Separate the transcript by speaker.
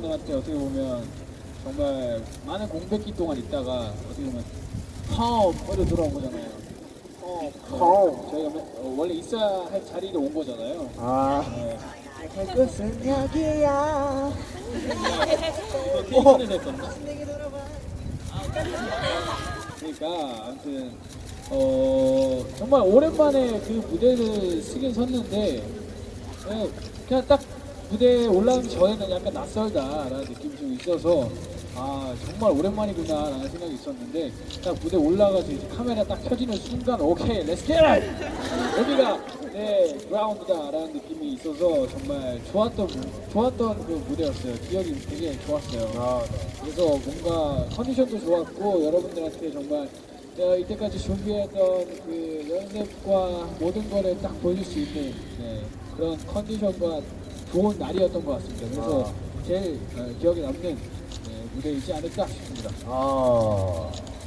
Speaker 1: 여러분들한테 어떻게 보면 정말 많은 공백기 동안 있다가 어떻게 보면 펌으로 돌아온 거잖아요. 저희가 원래 있어야 할 자리로 온 거잖아요. 네.
Speaker 2: 갈 곳은 여기야.
Speaker 1: 이거 케이크에서 했었나? 그러니까 아무튼 정말 오랜만에 그 무대를 쓰긴 섰는데 그냥 딱 무대에 올라오기 전에는 약간 낯설다라는 느낌이 좀 있어서 아 정말 오랜만이구나 라는 생각이 있었는데 딱 무대 올라가서 이제 카메라 딱 켜지는 순간 오케이 렛츠 겟 여기가 내 그라운드다 라는 느낌이 있어서 정말 좋았던 그 무대였어요. 기억이 되게 좋았어요. 그래서 뭔가 컨디션도 좋았고 여러분들한테 정말 내가 이때까지 준비했던 그 연습과 모든 거를 딱 보여줄 수 있는 그런 컨디션과 좋은 날이었던 것 같습니다. 그래서 제일 기억에 남는 무대이지 않을까 싶습니다.